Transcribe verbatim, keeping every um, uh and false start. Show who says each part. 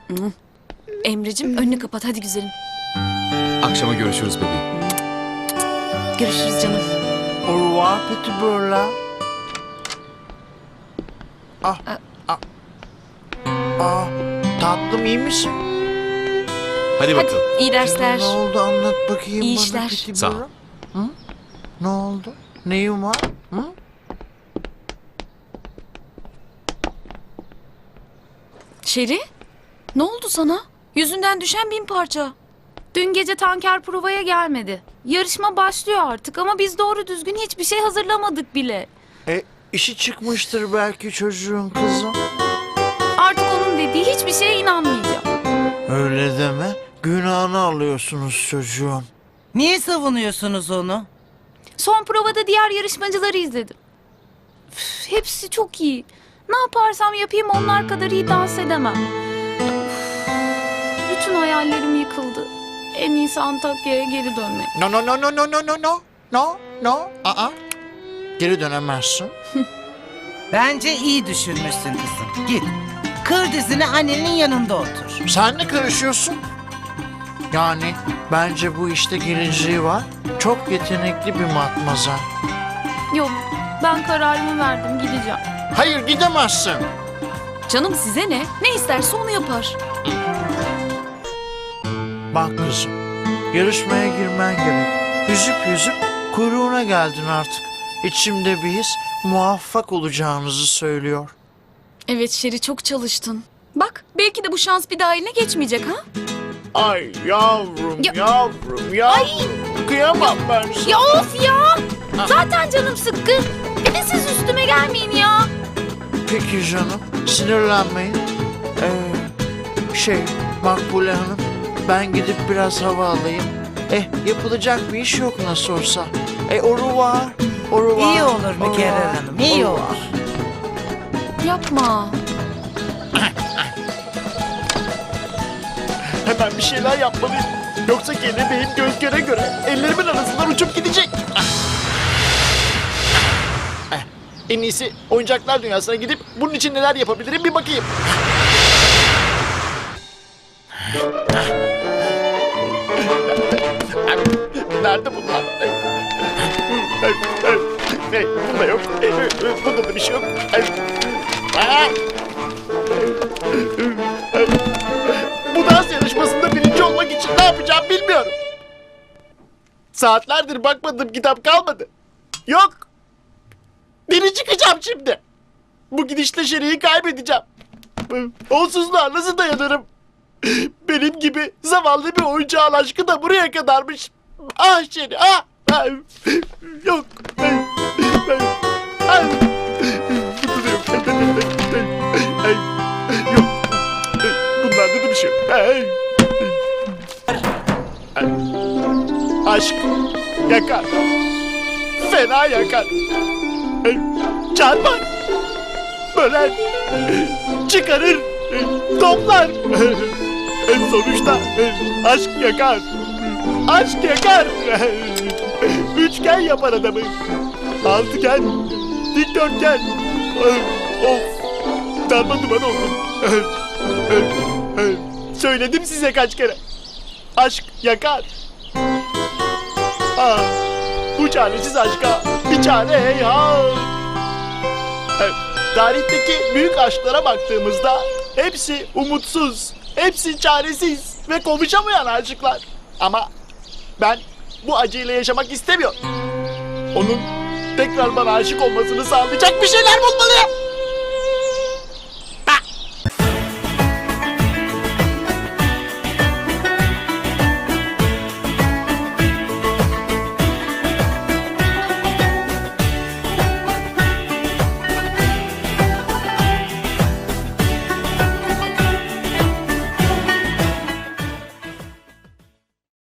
Speaker 1: Emre'cim önünü kapat hadi güzelim.
Speaker 2: Akşama görüşürüz bebeğim.
Speaker 1: Görüşürüz canım.
Speaker 3: Au revoir petit beurre. Ah, ah. Ah, tatlım iyi misin?
Speaker 2: Hadi
Speaker 1: Hadi
Speaker 2: bakalım.
Speaker 1: iyi dersler.
Speaker 3: Ne oldu anlat bakayım
Speaker 1: İyi
Speaker 3: bana
Speaker 1: işler.
Speaker 3: petit
Speaker 2: Sağ ol.
Speaker 3: beurre. Hı? Ne oldu? Neyin var? Hı?
Speaker 1: Şeri ne oldu sana? Yüzünden düşen bin parça.
Speaker 4: Dün gece tanker provaya gelmedi. Yarışma başlıyor artık ama biz doğru düzgün hiçbir şey hazırlamadık bile.
Speaker 3: E, işi çıkmıştır belki çocuğun kızım.
Speaker 4: Artık onun dediği hiçbir şeye inanmayacağım.
Speaker 3: Öyle deme. Günahını alıyorsunuz çocuğun.
Speaker 5: Niye savunuyorsunuz onu?
Speaker 4: Son provada diğer yarışmacıları izledim. Üf, hepsi çok iyi. Ne yaparsam yapayım onlar kadar iyi dans edemem. Üf, bütün hayallerim yıkıldı. En iyisi Antakya'ya geri dönmek.
Speaker 3: No no no no no no no no no no. Aa. Geri dönemezsin.
Speaker 5: Bence iyi düşünmüşsün kızım. Git. Kır dizini annenin yanında otur.
Speaker 3: Sen ne karışıyorsun? Yani bence bu işte geleceği var. Çok yetenekli bir matmazel.
Speaker 4: Yok, ben kararımı verdim, gideceğim.
Speaker 3: Hayır gidemezsin.
Speaker 1: Canım size ne? Ne isterse onu yapar.
Speaker 3: Bak kızım, yarışmaya girmen gerek. Yüzüp yüzüp kuyruğuna geldin artık. İçimde bir his muvaffak olacağınızı söylüyor.
Speaker 1: Evet Şeri çok çalıştın. Bak belki de bu şans bir daha eline geçmeyecek ha?
Speaker 3: Ay yavrum
Speaker 4: Ya-
Speaker 3: yavrum yavrum. Kıyamam ben sana.
Speaker 4: Ya of ya! Zaten canım sıkkın. Bir de siz üstüme gelmeyin ya.
Speaker 3: Peki canım, sinirlenmeyin. Ee, şey, Makbule Hanım, ben gidip biraz hava alayım. Eh, yapılacak bir iş yok nasıl olsa. E, au revoir, au revoir.
Speaker 5: İyi olur
Speaker 3: au
Speaker 5: Mükerrer
Speaker 3: revoir,
Speaker 5: Hanım, iyi
Speaker 3: au
Speaker 5: olur.
Speaker 3: revoir.
Speaker 1: Yapma.
Speaker 6: Hemen bir şeyler yapmalıyım. Yoksa kelebeğim göz göre göre ellerimin arasından uçup gidecek. Eh, En iyisi oyuncaklar dünyasına gidip bunun için neler yapabilirim bir bakayım. Nerede bunlar? Ne? Bunda yok. Bunda da bir şey yok. Ah! Bu dans yarışmasında birinci olmak için ne yapacağım bilmiyorum. Saatlerdir bakmadığım kitap kalmadı. Yok. Deli çıkacağım şimdi. Bu gidişle Şeri'yi kaybedeceğim. Onsuzluğa nasıl dayanırım? Benim gibi zavallı bir oyuncağın aşkı da buraya kadarmış. Ah Şeri ah. Ah. Yok. Ah. Yok. Bunlarda da bir şey yok. Ay. Ay. Aşk yakar. Fena yakar. Ay. Çarpar. Böler. Çıkarır. Toplar. En sonuçta aşk yakar. Aşk yakar. Üçgen yapar adamı. Altıgen. Dikdörtgen. Of. Darma duman oldum. Söyledim size kaç kere. Aşk yakar. Ah, bu çaresiz aşka bir çare heyhat. Evet, tarihteki büyük aşklara baktığımızda hepsi umutsuz, hepsi çaresiz ve konuşamayan aşıklar. Ama ben bu acıyla yaşamak istemiyorum. Onun tekrar bana aşık olmasını sağlayacak bir şeyler bulmalıyım.